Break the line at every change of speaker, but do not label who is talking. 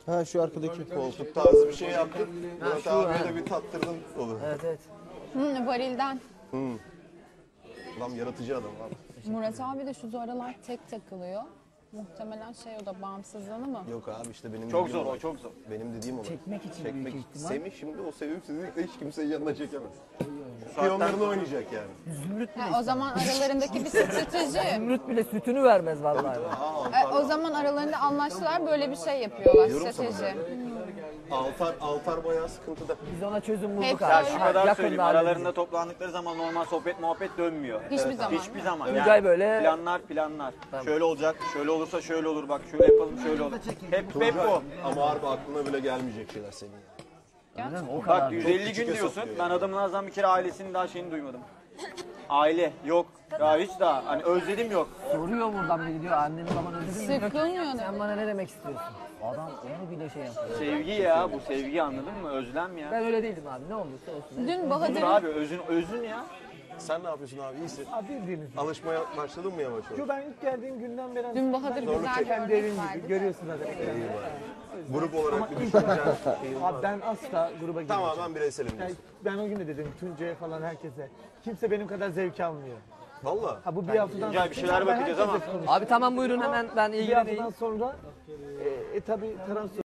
Ha şu arkadaki.
Koltuk tarzı bir şey yaptın. Murat abiye de bir tattırdın olur.
Evet evet.
Varilden.
Adam yaratıcı adam abi.
Murat abi de şu aralar tek takılıyor. Muhtemelen o da bağımsızlığını mı?
Yok abi işte benim
Çok
dediğim
zor
olay.
o, çok zor.
Benim dediğim olay.
Çekmek için büyük ihtimal.
Semih şimdi o sevimsizlikle hiç kimseyi yanına çekemez. Piyonlarını oynayacak yani.
Zümrüt bile,
O zaman aralarındaki bir strateji.
Zümrüt bile sütünü vermez vallahi.
O zaman aralarında anlaştılar, böyle bir şey yapıyorlar,
Diyorum sana
strateji.
Altar bayağı sıkıntıda.
Biz ona çözüm bulduk
Hep
abi.
Ya şu kadar
Yakında
söyleyeyim,
halledeceğiz.
aralarında toplandıkları zaman normal sohbet muhabbet dönmüyor.
Hiçbir zaman.
Hiçbir zaman.
Tuncay böyle-
Planlar. Şöyle olacak, şöyle olursa şöyle olur, bak şöyle yapalım, şöyle olur. Hep bu.
Ama harbi aklına bile gelmeyecek şeyler senin ya.
O kadar.
Bak 150
küçük
gün diyorsun,
hesap
ben adamın ağzından bir kere ailesinin daha şeyini duymadım. Aile yok. Ya hiç daha hani özledim yok.
Soruyor buradan biri diyor anneni baban özledin mi?
Sıkılmıyor
Sen
da.
bana ne demek istiyorsun? Adam onu bile şey yapıyor.
Sevgi ya, bu sevgi, anladın mı? Özlem ya.
Ben öyle değilim abi, ne olursa olsun.
Dün
Dur
Bahadır'ın
abi, özün ya.
Sen ne yapıyorsun abi? İyisin.
Abi bildiğiniz gibi.
Alışmaya başladın mı yavaş yavaş?
Yo, ben ilk geldiğim günden beri
Dün Bahadır güzel bir
kendi
örnek
evim
verdi.
gibi görüyorsun zaten.
Grup olarak bir
İlk
düşüneceğin
abi ben asla gruba girmeyeceğim.
tamamen bireyselim
Yani
diyorsun.
ben o gün de dedim Tuncay'a falan herkese. Kimse benim kadar zevk almıyor.
Valla.
Ha bu bir haftadan
Tuncay, bir şeyler
Ben
bakacağız ama-
herkesle konuştum.
Abi tamam buyurun hemen ben
Bir
ilgileneyim.
haftadan sonra tabii transfer